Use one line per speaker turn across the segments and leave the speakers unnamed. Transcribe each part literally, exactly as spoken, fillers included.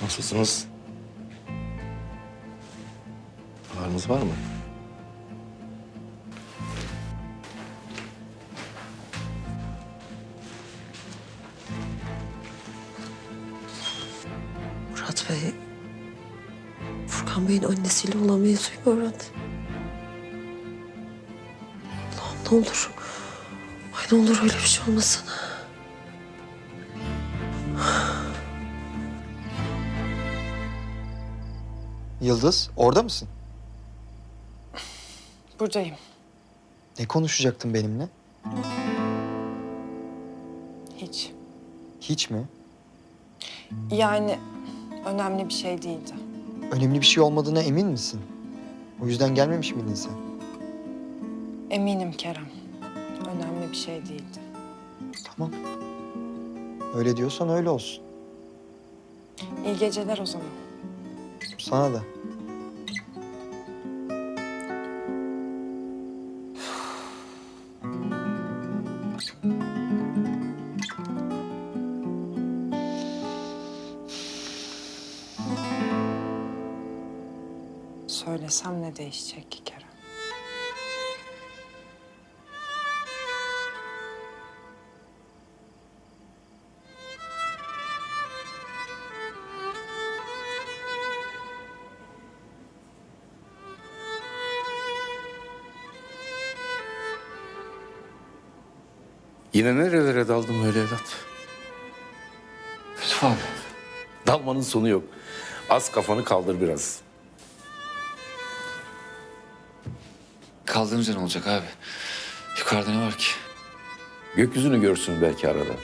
Nasılsınız? Ağrınız var mı?
Murat Bey, Furkan Bey'in annesiyle olan mevzuyu öğrendi. Allah'ım ne olur. Ay ne olur öyle bir şey olmasın.
Yıldız, orada mısın?
Buradayım.
Ne konuşacaktın benimle?
Hiç.
Hiç mi?
Yani önemli bir şey değildi.
Önemli bir şey olmadığına emin misin? O yüzden gelmemiş miydin sen?
Eminim Kerem. Önemli bir şey değildi.
Tamam. Öyle diyorsan öyle olsun.
İyi geceler o zaman.
Sana da.
Söylesem ne değişecek ki Kerem?
Yine nerelere daldım öyle evlat?
Yusuf abi.
Dalmanın sonu yok. Az kafanı kaldır biraz.
Kaldığımız yer ne olacak abi? Yukarıda ne var ki?
Gökyüzünü görsün belki arada.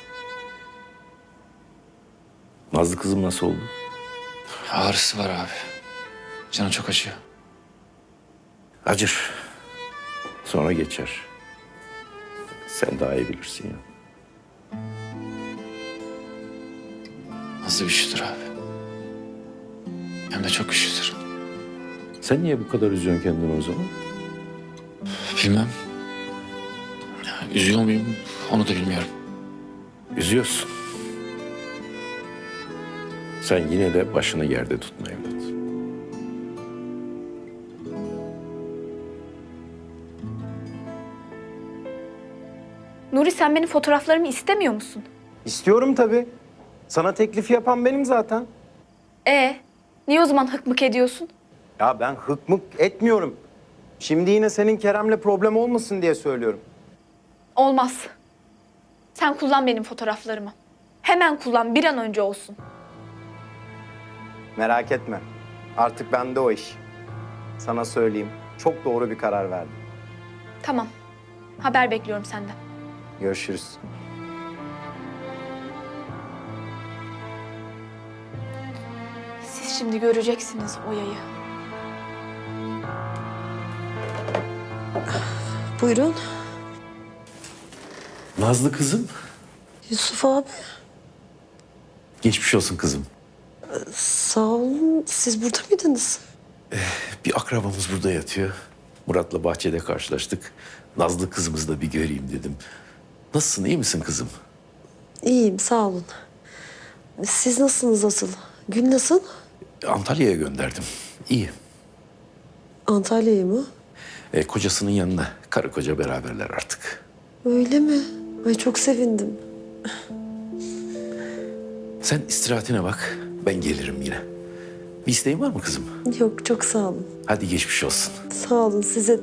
Nazlı kızım nasıl oldu?
Ağrısı var abi. Canı çok acıyor.
Acır. Sonra geçer. Sen daha iyi bilirsin ya.
Nazlı güçlüdür abi. Hem de çok güçlüdür.
Sen niye bu kadar üzüyorsun kendini o zaman?
Bilmem. Ya, üzüyor muyum onu da bilmiyorum.
Üzüyorsun. Sen yine de başını yerde tutma evlat.
Nuri sen benim fotoğraflarımı istemiyor musun?
İstiyorum tabii. Sana teklifi yapan benim zaten.
Ee, niye o zaman hıkmık ediyorsun?
Ya ben hıkmık etmiyorum. Şimdi yine senin Kerem'le problem olmasın diye söylüyorum.
Olmaz. Sen kullan benim fotoğraflarımı. Hemen kullan, bir an önce olsun.
Merak etme. Artık bende o iş. Sana söyleyeyim. Çok doğru bir karar verdim.
Tamam. Haber bekliyorum senden.
Görüşürüz.
Siz şimdi göreceksiniz o yayı.
Buyurun.
Nazlı kızım.
Yusuf abi.
Geçmiş olsun kızım.
Sağ olun. Siz burada mıydınız?
Bir akrabamız burada yatıyor. Murat'la bahçede karşılaştık. Nazlı kızımızı da bir göreyim dedim. Nasılsın, iyi misin kızım?
İyiyim sağ olun. Siz nasılsınız asıl? Gün nasıl?
Antalya'ya gönderdim. İyi.
Antalya'ya mı?
E, kocasının yanına. Karı koca beraberler artık.
Öyle mi? Ay çok sevindim.
Sen istirahatine bak. Ben gelirim yine. Bir isteğin var mı kızım?
Yok çok sağ olun.
Hadi geçmiş olsun.
Sağ olun size de.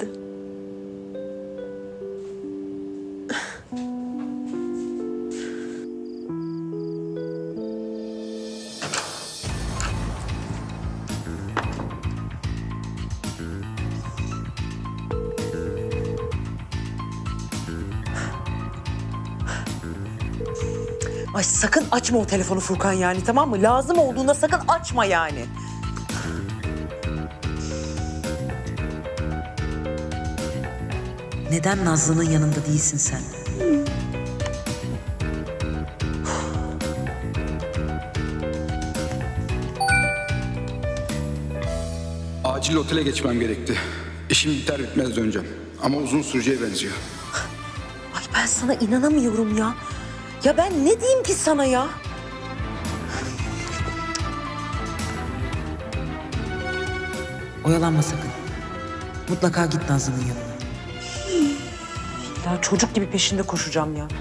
Ay sakın açma o telefonu Furkan yani, tamam mı? Lazım olduğunda sakın açma yani. Neden Nazlı'nın yanında değilsin sen?
Acil otele geçmem gerekti. İşim biter bitmez döneceğim. Ama uzun süreceğe benziyor.
Ay ben sana inanamıyorum ya. Ya ben ne diyeyim ki sana ya? Oyalanma sakın. Mutlaka git Nazlı'nın yanına. Ya çocuk gibi peşinde koşacağım ya.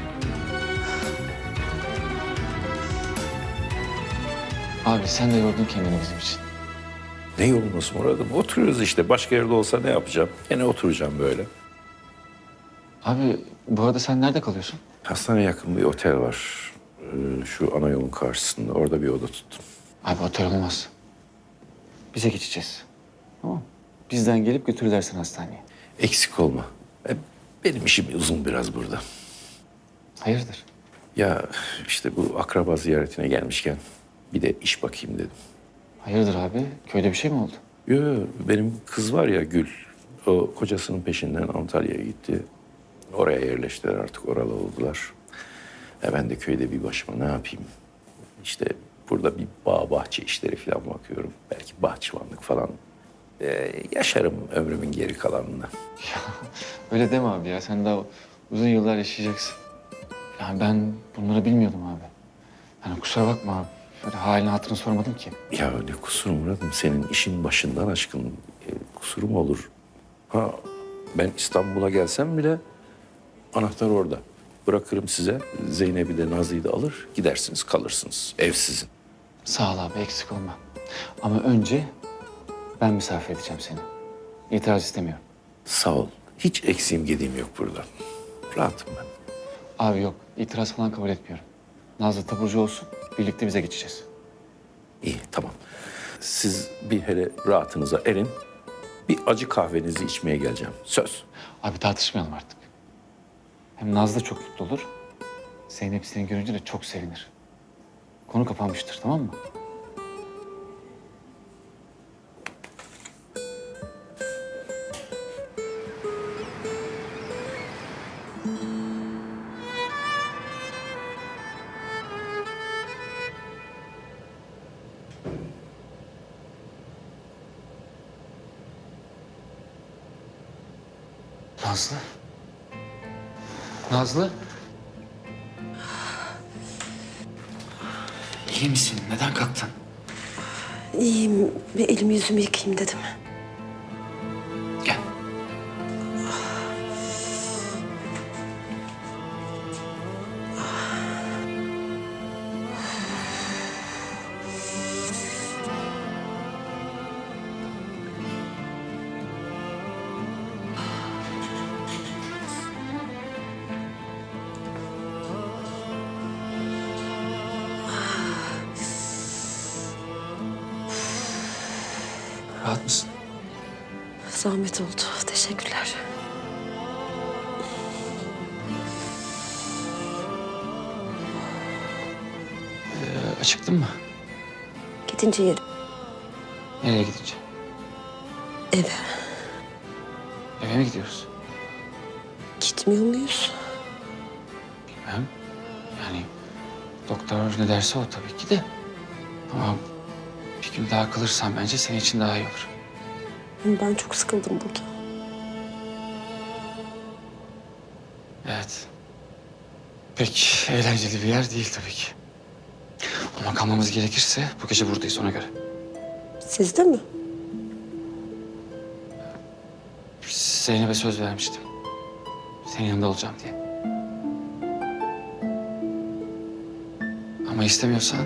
Abi sen de yordun kendini bizim için.
Ne yorulması Murat'ım? Oturuyoruz işte. Başka yerde olsa ne yapacağım? Gene oturacağım böyle.
Abi bu arada sen nerede kalıyorsun?
Hastane yakın bir otel var. Ee, şu ana yolun karşısında. Orada bir oda tuttum.
Abi otel olmaz. Bize geçeceğiz. Tamam mı? Bizden gelip götürürler seni hastaneye.
Eksik olma. E, Benim işim uzun biraz burada.
Hayırdır?
Ya işte bu akraba ziyaretine gelmişken bir de iş bakayım dedim.
Hayırdır abi? Köyde bir şey mi oldu?
Yo, yo, benim kız var ya Gül. O kocasının peşinden Antalya'ya gitti. Oraya yerleştiler artık, oralı oldular. E ben de köyde bir başıma ne yapayım? İşte burada bir bağ bahçe işleri falan bakıyorum. Belki bahçıvanlık falan. E, yaşarım ömrümün geri kalanını.
Öyle deme abi ya. Sen daha uzun yıllar yaşayacaksın. Yani ben bunları bilmiyordum abi. Yani kusura bakma abi. Şöyle halini hatırını sormadım ki.
Ya ne kusur Murat'ım, senin işin başından aşkın. E, kusurum olur. Ha, ben İstanbul'a gelsem bile anahtar orada. Bırakırım size. Zeynep'i de Nazlı'yı da alır. Gidersiniz, kalırsınız. Ev sizin.
Sağ ol abi, eksik olma. Ama önce ben misafir edeceğim seni. İtiraz istemiyorum.
Sağ ol. Hiç eksiğim gediğim yok burada. Rahatım ben.
Abi yok, itiraz falan kabul etmiyorum. Nazlı taburcu olsun, birlikte bize geçeceğiz.
İyi, tamam. Siz bir hele rahatınıza erin. Bir acı kahvenizi içmeye geleceğim. Söz.
Abi tartışmayalım artık. Hem Nazlı çok mutlu olur. Zeynep seni görünce de çok sevinir. Konu kapanmıştır, tamam mı? Nazlı. Nazlı. İyi misin? Neden kalktın?
İyiyim. Bir elimi yüzümü yıkayayım dedim.
Gel. Rahat mısın?
Zahmet oldu. Teşekkürler.
Ee, acıktın mı?
Gidince yerim.
Nereye gidince?
Eve.
Eve mi gidiyoruz?
Gitmiyor muyuz?
Bilmem. Yani doktor ne derse o tabii ki de. Ama bir gün daha kalırsan bence senin için daha iyi olur.
Ben çok sıkıldım burada.
Evet. Pek eğlenceli bir yer değil tabii ki. Ama kalmamız gerekirse bu gece buradayız ona göre.
Siz de mi?
Zeynep'e söz vermiştim. Senin yanında olacağım diye. Ama istemiyorsan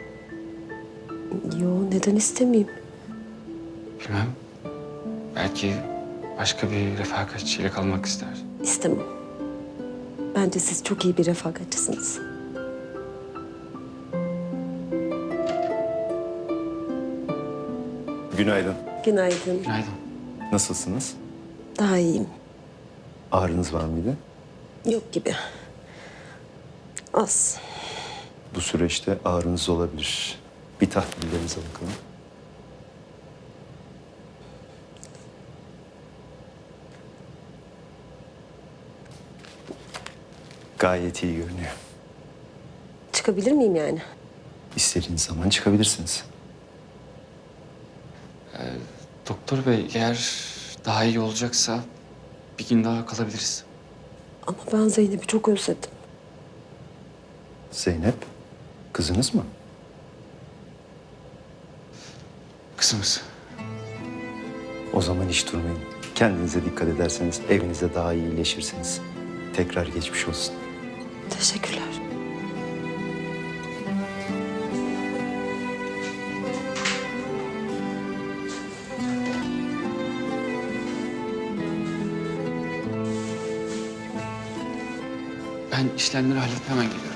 Yo, neden istemeyeyim?
bilmem. Belki başka bir refakatçiyle kalmak ister.
İstemem. Bence siz çok iyi bir refakatçisiniz.
Günaydın.
Günaydın.
Günaydın.
Nasılsınız?
Daha iyiyim.
Ağrınız var mıydı?
Yok gibi. Az.
Bu süreçte ağrınız olabilir. Bir tahlillerinize bakalım. Gayet iyi görünüyor.
Çıkabilir miyim yani?
İstediğiniz zaman çıkabilirsiniz.
Doktor bey eğer daha iyi olacaksa bir gün daha kalabiliriz.
Ama ben Zeynep'i çok özledim.
Zeynep, kızınız mı?
Kızımız.
O zaman hiç durmayın. Kendinize dikkat ederseniz evinizde daha iyi iyileşirsiniz. Tekrar geçmiş olsun.
Teşekkürler.
Ben işlemleri halledip hemen geliyorum.